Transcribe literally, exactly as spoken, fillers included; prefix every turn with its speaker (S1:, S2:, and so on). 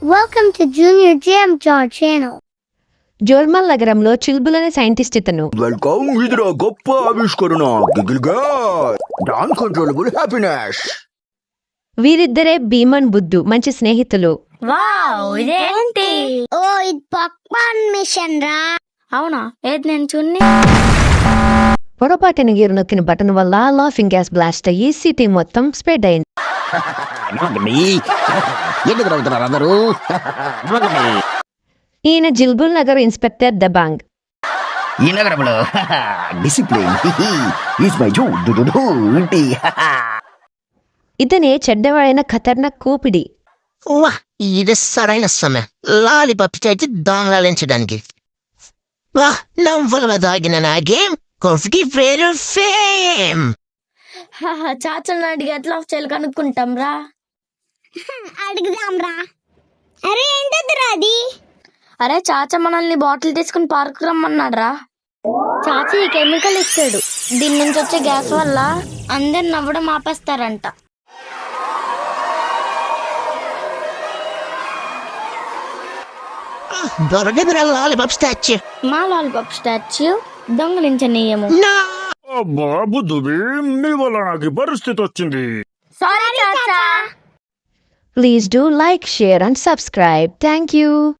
S1: Welcome to Junior Jam Jar channel.
S2: జోర్మల్ నగరంలో చిల్బుల్ అనే scientist ఇతను
S3: వెల్కమ్ ఇదిరా గొప్ప ఆవిష్కరణ గిగిల్గా నాన్ కంట్రోలబుల్ హ్యాపీనెస్.
S2: వీరిద్దరే భీమన్ బుద్ధు మంచి స్నేహితులు.
S4: వావ్ ఇదేంటి?
S1: ఓ ఇది పాక్మాన్ మిషన్ రా.
S4: అవునా ఏది నేను చూన్ని.
S2: పొరపాటున గీరు నొక్కిన బటన్ వల్ల లాఫింగ్ గ్యాస్ బ్లాస్ట్ అయ్యి సిటీ మొత్తం స్ప్రెడ్ అయింది.
S3: ఎందుకు నవ్వుతున్నారు అందరూ?
S2: ఈయన జిల్బుల్ నగర్ ఇన్స్పెక్టర్ దబాంగ్.
S3: ఈ నగరంలో డిసిప్లిన్ ఈజ్ మై జూ ఇంటి.
S2: ఇతనే చెడ్డవాడైన ఖతర్నాక్ కూపిడి.
S5: వా ఇది సరైన సమయం లాలిపాప్ చేసి దొంగలించడానికి. వా నవ్వుల దాగిన నా గేమ్ కాఫీకి పేరు ఫేమ్.
S4: చాచల్ని అడిగి ఎట్లా ఆఫ్ చేయాలి కనుక్కుంటాం రా.
S1: అడుగుదాం రా. అరే ఏంటదిరా అది?
S4: అరే చాచ మనల్ని బాటిల్ తీసుకుని పార్క్ రమ్మన్నాడు రా. చాచ ఈ కెమికల్ ఇచ్చాడు. దీని నుంచి వచ్చే గ్యాస్ వల్ల అందరు నవ్వడం ఆపేస్తారంట.
S5: దొరకదురా లాలిపాప్ స్టాచ్యూ.
S4: మా లాలిపాప్ స్టాచ్యూ దొంగలించనీయము.
S6: అబ్బా బుద్ధువి, నీ వల్ల నాకు ఈ పరిస్థితి వచ్చింది.
S4: సారీ చాచా.
S2: Please do like, share and subscribe. Thank you.